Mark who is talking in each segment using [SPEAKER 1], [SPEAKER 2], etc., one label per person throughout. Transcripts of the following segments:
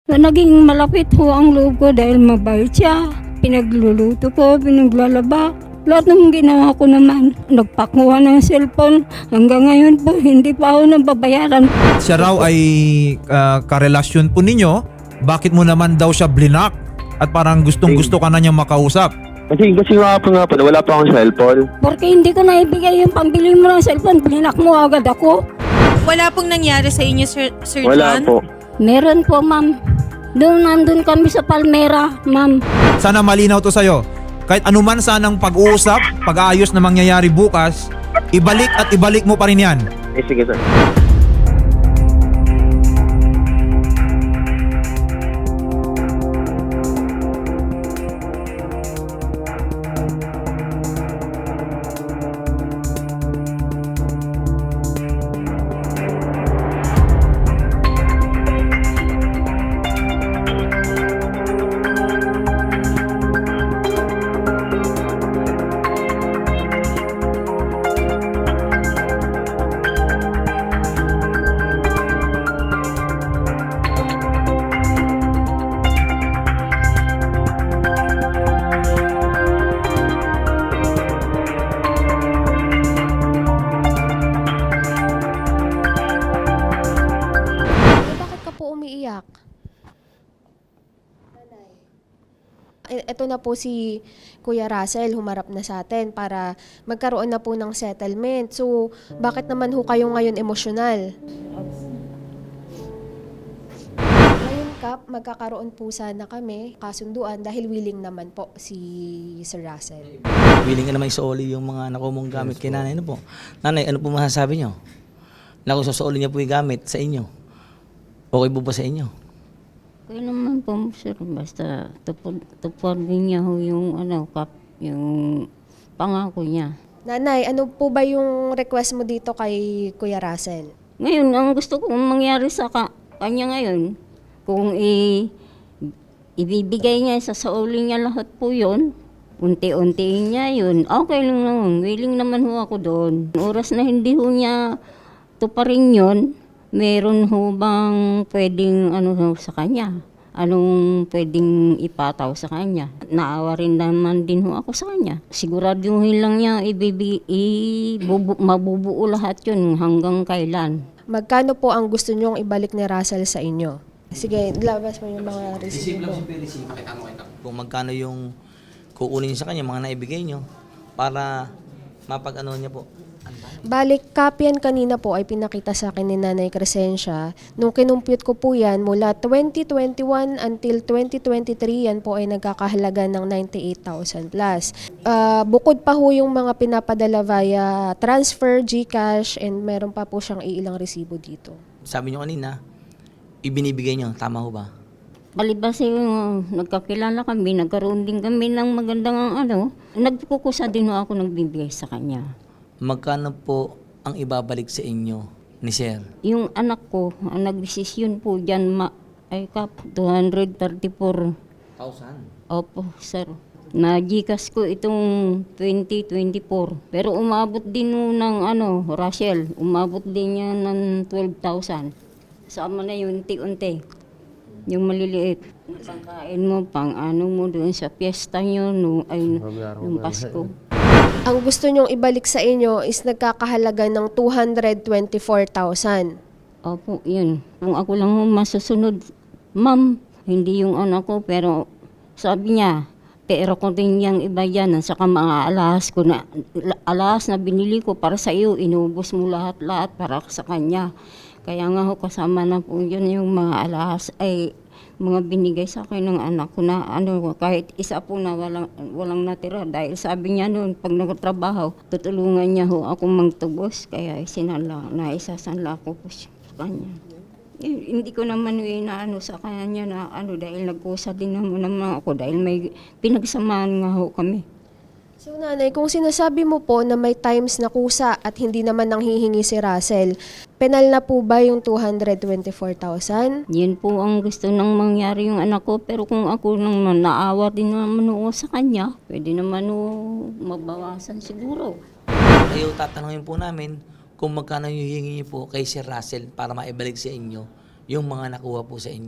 [SPEAKER 1] Naging malapit ho ang loob ko dahil mabait siya. Pinagluluto ko, pinaglalaba. Lahat ng ginawa ko naman, nagpakuha ng cellphone. Hanggang ngayon po, hindi pa ako nababayaran.
[SPEAKER 2] Siya raw ay karelasyon po ninyo. Bakit mo naman daw siya blinak? At parang gustong-gusto ka na niyang makausap.
[SPEAKER 3] Kasi nga po, wala pa akong cellphone.
[SPEAKER 1] Porque hindi ko naibigay yung pambili mo ng cellphone, blinak mo agad ako.
[SPEAKER 4] Wala pong nangyari sa inyo, Sir
[SPEAKER 3] Wala
[SPEAKER 4] John?
[SPEAKER 3] po.
[SPEAKER 1] Meron po, ma'am. Nandun kami sa Palmera, ma'am.
[SPEAKER 2] Sana malinaw to sa'yo. Kahit anuman sanang pag-uusap, pag-aayos na mangyayari bukas, ibalik at ibalik mo pa rin yan.
[SPEAKER 3] Sige sir.
[SPEAKER 5] Bakit ka po umiiyak? Ito na po si Kuya Russell, humarap na sa atin para magkaroon na po ng settlement. So, bakit naman ho kayo ngayon emosyonal? Ngayon, Kap, magkakaroon po sana kami kasunduan dahil willing naman po si Sir Russell.
[SPEAKER 6] Willing ka naman isauli yung mga nakuha mong gamit kay nanay. Ano po? Nanay, ano po masasabi nyo? Na kung sasauli niya po yung gamit sa inyo, okay po ba sa inyo?
[SPEAKER 1] Kaya naman po, sir, basta tupundin niya ho yung, yung pangako niya.
[SPEAKER 5] Nanay, ano po ba yung request mo dito kay Kuya Russell?
[SPEAKER 1] Ngayon, ang gusto kong mangyari sa kanya ngayon, kung ibibigay niya, sasauli niya lahat po yun, unti-untiin niya yun, okay lang naman, willing naman ho ako doon. Oras na hindi ho niya tuparin yun, meron ho bang pwedeng sa kanya? Anong pwedeng ipataw sa kanya? Naawa rin naman din ho ako sa kanya. Siguraduhin lang niya mabubuo lahat yun hanggang kailan.
[SPEAKER 5] Magkano po ang gusto nyong ibalik ni Russell sa inyo? Sige, labas mo yung mga resibo.
[SPEAKER 6] Kung magkano yung kukunin sa kanya, mga naibigay nyo, para mapag-ano niya po.
[SPEAKER 5] Balik, copy yan kanina po ay pinakita sa akin ni Nanay Crescencia. Nung kinumpute ko po yan, mula 2021 until 2023, yan po ay nagkakahalaga ng 98,000 plus. Bukod pa ho yung mga pinapadala via transfer, GCash, and meron pa po siyang ilang resibo dito.
[SPEAKER 6] Sabi nyo kanina, ibinibigay nyo, tama ho ba?
[SPEAKER 1] Palibas yung nagkakilala kami, nagkaroon din kami ng magandang nagkukusa din ho ako nagbibigay sa kanya.
[SPEAKER 6] Magkano po ang ibabalik sa inyo ni Sir?
[SPEAKER 1] Yung anak ko, ang nagdesisyon po dyan, 234.
[SPEAKER 6] 1,000?
[SPEAKER 1] Opo, sir. Na-GCash ko itong 2024. Pero umabot din nun ng Russell, umabot din yan ng 12,000. Sama na yun, unti-unti. Yung maliliit. Pangkain mo, mo doon sa piyesta nyo, nung Pasko.
[SPEAKER 5] Ang gusto nyong ibalik sa inyo is nagkakahalaga ng 224,000.
[SPEAKER 1] Opo, yun. Kung ako lang masusunod, ma'am, hindi yung anak ko, pero sabi niya, pero ko din yung iba yan, saka mga alahas na binili ko para sa iyo, inubos mo lahat-lahat para sa kanya. Kaya nga ho, kasama na po yun yung mga alahas, mga binigay sa akin ng anak ko na kahit isa po na walang natira. Dahil sabi niya noon, pag nagtrabaho, tutulungan niya ho ako magtubos. Kaya naisasanla ko po sa kanya. Hindi ko naman sa kanya na dahil nagkusa din naman ako dahil may pinagsamahan nga ho kami.
[SPEAKER 5] So nanay, kung sinasabi mo po na may times na kusa at hindi naman nanghihingi si Russell, penal na po ba yung 224,000?
[SPEAKER 1] Yun po ang gusto nang mangyari yung anak ko. Pero kung ako nang naawa din naman sa kanya, pwede naman mabawasan siguro.
[SPEAKER 6] Ayaw tatanungin po namin kung magkano yung hihingi niyo po kay Sir Russell para maibalik sa inyo yung mga nakuha po sa inyo.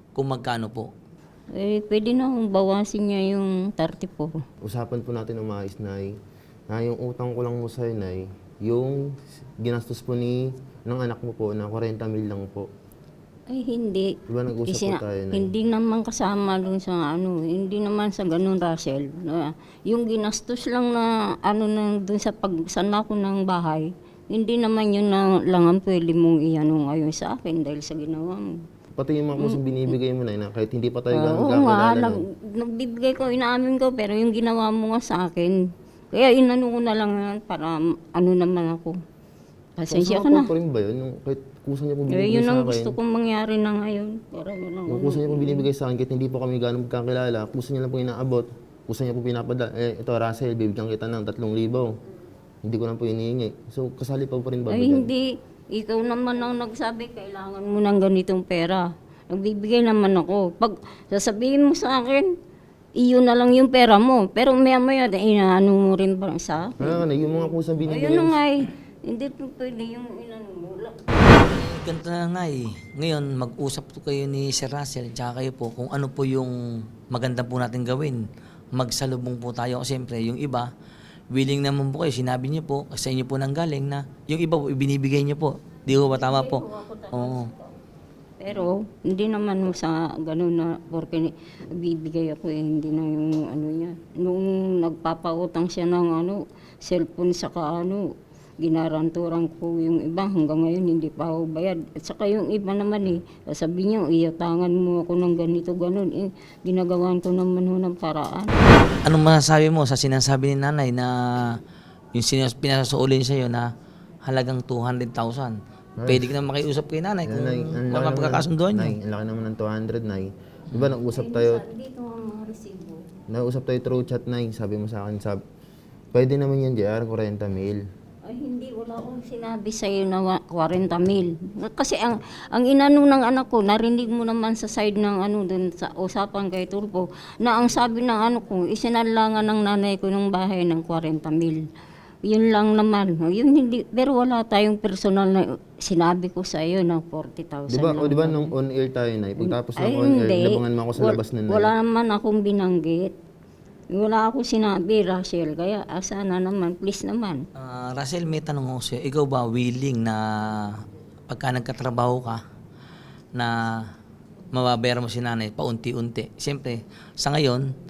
[SPEAKER 6] Kung magkano po?
[SPEAKER 1] Eh, pwede na akong bawasin niya yung 34.
[SPEAKER 7] Usapan po natin ng maayos, Nay, na yung utang ko lang mo sa'yo, Nay, yung ginastos po ng anak mo po na 40 mil lang po.
[SPEAKER 1] Ay, hindi.
[SPEAKER 7] Diba nag-usap po tayo, Nay?
[SPEAKER 1] Hindi naman kasama dun sa hindi naman sa ganun, Russell. Yung ginastos lang na dun sa pagsana ko ng bahay, hindi naman yun na lang ang pwede mong iano ngayon sa akin dahil sa ginawa mo.
[SPEAKER 7] Pati yung mga kusang binibigay mo, Nay, na kahit hindi pa tayo ganun
[SPEAKER 1] Oo nga,
[SPEAKER 7] kakilala, no?
[SPEAKER 1] nagbibigay ko, inaamin ko, pero yung ginawa mo nga sa akin, kaya inano ko na lang yan para naman ako. Pasensya ka na.
[SPEAKER 7] Pa rin ba yun? Yung kahit kusa niya po
[SPEAKER 1] Eh,
[SPEAKER 7] binibigay
[SPEAKER 1] yun
[SPEAKER 7] sa
[SPEAKER 1] ang
[SPEAKER 7] akin.
[SPEAKER 1] gusto kong mangyari na ngayon. Pero
[SPEAKER 7] Yung kusa niya po binibigay sa akin, kahit hindi po kami ganun magkakilala, kusa niya lang po inaabot. Kusa niya po pinapadala. Ito, Russell, bibigyan kita ng 3,000. Hindi ko lang po inihingi. So, kasali pa rin ba?
[SPEAKER 1] ay hindi. Ikaw naman ang nagsabi, kailangan mo ng ganitong pera. Nagbibigay naman ako. Pag sasabihin mo sa akin, iyo na lang yung pera mo. Pero maya-maya, inaano mo rin ba sa akin?
[SPEAKER 7] Kaya nga, yung mga kusang binibigay.
[SPEAKER 1] Ayun na nga eh. Hindi po pwede yung inano mo.
[SPEAKER 6] Ganito na nga eh. Ngayon, mag-usap po kayo ni Sir Russell, tsaka kayo po kung ano po yung maganda po natin gawin. Magsalubong po tayo. Siyempre, yung iba, willing naman po kayo. Sinabi niyo po, sa inyo po nang galing na yung iba po, ibinibigay niyo po. Di ko ba tama po? Oo.
[SPEAKER 1] Pero hindi naman mo sa gano'n na porque bibigay ako hindi na yung niya. Nung nagpapautang siya ng cellphone saka ginaranturan ko yung iba hanggang ngayon hindi pa ako bayad. At saka yung iba naman sabi niya iyatangan mo ako ng ganito gano'n ginagawan ko naman ng paraan.
[SPEAKER 6] Anong masasabi mo sa sinasabi ni nanay na yung pinasasuulin sa'yo na halagang 200,000? Pwede ka na makiusap kay nanay kung mapagkakasunduan nyo.
[SPEAKER 7] Nay, ang laki naman ng 200, Nay. Di ba nag-usap tayo,
[SPEAKER 1] Dito ang mga resibo.
[SPEAKER 7] nag-usap tayo through chat, Nay. Sabi mo sa akin, pwede naman yan, JR, 40 mil.
[SPEAKER 1] Ay hindi, wala akong sinabi sa iyo na 40 mil. Kasi ang inano ng anak ko, narinig mo naman sa side ng dun sa usapan kay Tulpo, na ang sabi ng ko, isinalangan ng nanay ko ng bahay ng 40 mil. Yun lang naman. Yun hindi, pero wala tayong personal na sinabi ko sa iyo na 40,000.
[SPEAKER 7] Di ba,
[SPEAKER 1] lang.
[SPEAKER 7] di ba nung on-air tayo, Nay? Pagtapos ng
[SPEAKER 1] Ay,
[SPEAKER 7] on-air,
[SPEAKER 1] hindi.
[SPEAKER 7] labangan mo ako sa labas na, Nay.
[SPEAKER 1] Wala naman akong binanggit. Wala akong sinabi, Rachel. Kaya sana naman, please naman.
[SPEAKER 6] Russell, may tanong ako sa'yo. Ikaw ba willing na pagka nagkatrabaho ka na mababayaran mo si nanay paunti-unti? Siyempre, sa ngayon,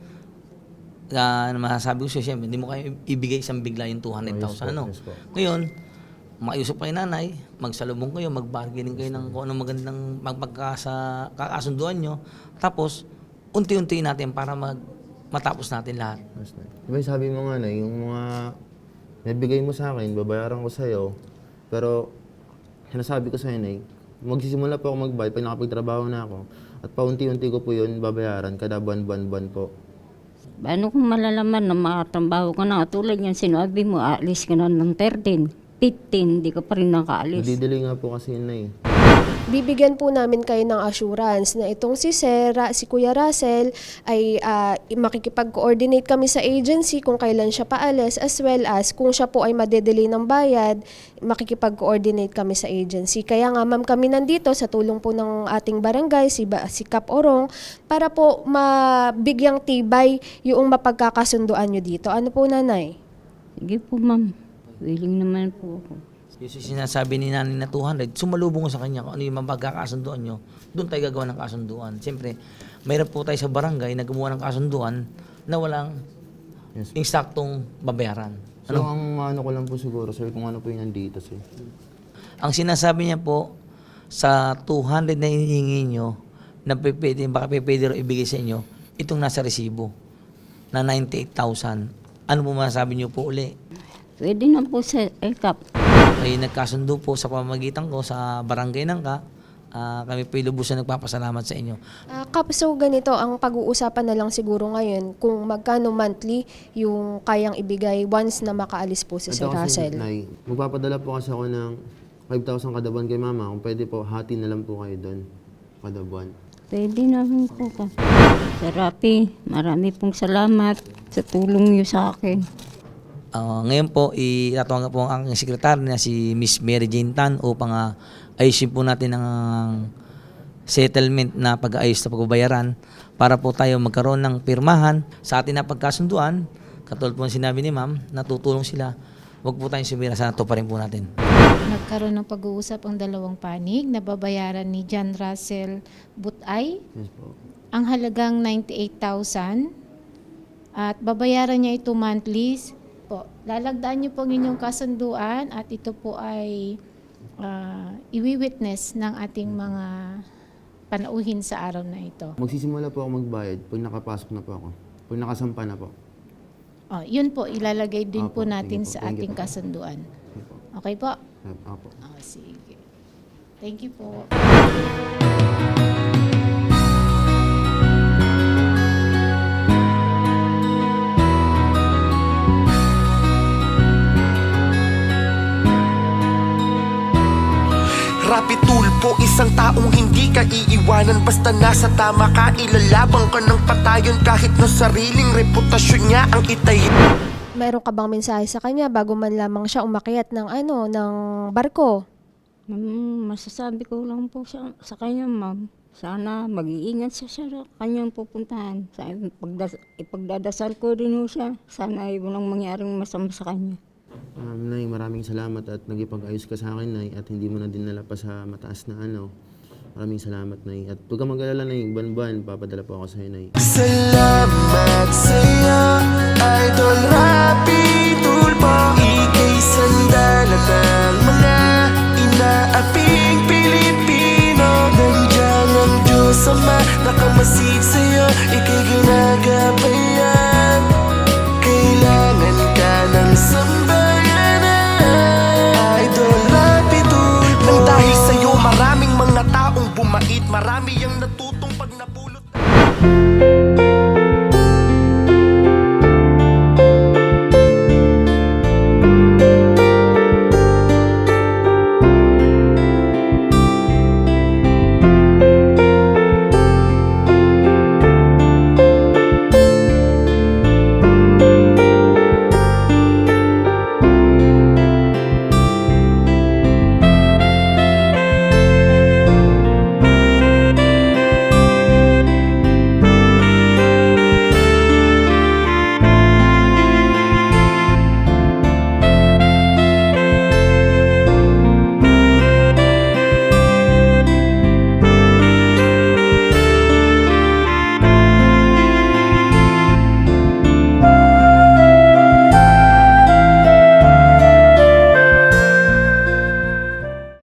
[SPEAKER 6] masasabi ko sa'yo, siyempre, hindi mo kayo ibigay isang bigla yung 200,000.
[SPEAKER 7] Yes po.
[SPEAKER 6] Ngayon, makiusap kayo nanay, magsalubong kayo, mag-bargaining kayo ng kung anong magandang kakasunduan nyo. Tapos, unti-unti natin para matapos natin lahat.
[SPEAKER 7] Yes, Nay. Di ba sabi mo nga, Nay, yung mga nabigay mo sa akin, babayaran ko sa'yo. Pero, sinasabi ko sa'yo, Nay, magsisimula po ako magbayad pag nakapagtrabaho na ako. At paunti-unti ko po yun babayaran kada buwan-buwan po.
[SPEAKER 1] Paano kung malalaman na makatrabaho ka na? Tulad yan, sinabi mo, aalis ka na ng 13, 15, di ka pa rin nakaalis.
[SPEAKER 7] Nagdidili nga po kasi yun, Nay.
[SPEAKER 5] Bibigyan po namin kayo ng assurance na itong si Kuya Russell ay makikipag-coordinate kami sa agency kung kailan siya paalis, as well as kung siya po ay madedelay ng bayad, makikipag-coordinate kami sa agency. Kaya nga ma'am, kami nandito sa tulong po ng ating barangay, si Kap Orong, para po mabigyang tibay yung mapagkakasunduan nyo dito. Ano po, nanay?
[SPEAKER 1] Sige po, ma'am. Willing naman po ako.
[SPEAKER 6] Yung sinasabi ni nanay na 200, sumalubong ko sa kanya kung ano yung mapagkakasunduan nyo, doon tayo gagawa ng kasunduan. Siyempre, mayroon po tayo sa barangay na gumawa ng kasunduan na walang eksaktong babayaran.
[SPEAKER 7] So, ang ano ko lang po siguro, sir, kung ano po yung nandito, sir.
[SPEAKER 6] Ang sinasabi niya po, sa 200 na hinihingi nyo, na baka pwede rin ibigay sa inyo, itong nasa resibo, na 98,000. Ano po masasabi niyo po uli?
[SPEAKER 1] Pwede na po sa ELCAP.
[SPEAKER 6] Ay nagkasundo po sa pamamagitan ko sa barangay Nangka. Kami po lubusan nagpapasalamat sa inyo.
[SPEAKER 5] Kap, so ganito, ang pag-uusapan na lang siguro ngayon kung magkano monthly yung kayang ibigay once na makaalis po si Sir
[SPEAKER 7] Ito kasi,
[SPEAKER 5] Russell.
[SPEAKER 7] Nay, magpapadala po kasi ako ng 5,000 kada buwan kay mama. Kung pwede po, hati na lang po kayo doon kada buwan.
[SPEAKER 1] Pwede na rin po ka. Sir Rapi, marami pong salamat sa tulong niyo sa akin.
[SPEAKER 6] Ngayon po, itatawagan po ang aking sekretary na si Miss Mary Jane Tan upang ayusin po natin ang settlement na pag-aayos na pagbabayaran para po tayo magkaroon ng pirmahan sa atin na pagkasunduan. Katulad po ng sinabi ni ma'am, natutulong sila. Huwag po tayong sumira, sana to pa rin po natin.
[SPEAKER 8] Nagkaroon ng pag-uusap ang dalawang panig na babayaran ni John Russell Butay
[SPEAKER 7] Yes po.
[SPEAKER 8] ang halagang 98,000 at babayaran niya ito monthly po. Lalagdaan niyo po ang inyong kasunduan at ito po ay iwi-witness ng ating mga panauhin sa araw na ito.
[SPEAKER 7] Magsisimula po ako magbayad pag nakapasok na po ako. Pag nakasampa na po.
[SPEAKER 8] Yun po, ilalagay din po
[SPEAKER 7] Opo,
[SPEAKER 8] natin
[SPEAKER 7] sige po.
[SPEAKER 8] sa
[SPEAKER 7] Thank you
[SPEAKER 8] ating
[SPEAKER 7] po.
[SPEAKER 8] kasunduan.
[SPEAKER 7] Okay po.
[SPEAKER 8] Okay po?
[SPEAKER 7] Apo.
[SPEAKER 8] Sige. Thank you po.
[SPEAKER 9] Rapi tulpo, isang taong hindi ka iiwanan. Basta nasa tama ka, ilalabang ka ng patayon. Kahit na sariling reputasyon niya ang itayin.
[SPEAKER 5] Meron ka bang mensahe sa kanya bago man lamang siya umakyat ng ng barko?
[SPEAKER 1] Masasabi ko lang po sa kanya, ma'am. Sana mag-iingat siya sa kanyang pupuntahan. Ipagdadasal ko rin ho siya. Sana ay walang mangyaring masama sa kanya.
[SPEAKER 7] Nay, maraming salamat at nagipag-ayos ka sa akin, Nay, at hindi mo na dinala pa sa mataas na ano. Maraming salamat, Nay. At huwag kang mag-alala, Nay. Buwan-buwan, papadala po ako sa'yo, Nay.
[SPEAKER 9] Salamat sa'yo, Idol Rapi Tulpo. Ika'y sandalan ng mga inaaping Pilipino. Nandiyan ang Diyos Ama, nakamasid sa'yo, ika'y ginagabayan. Kailangan ka ng samba.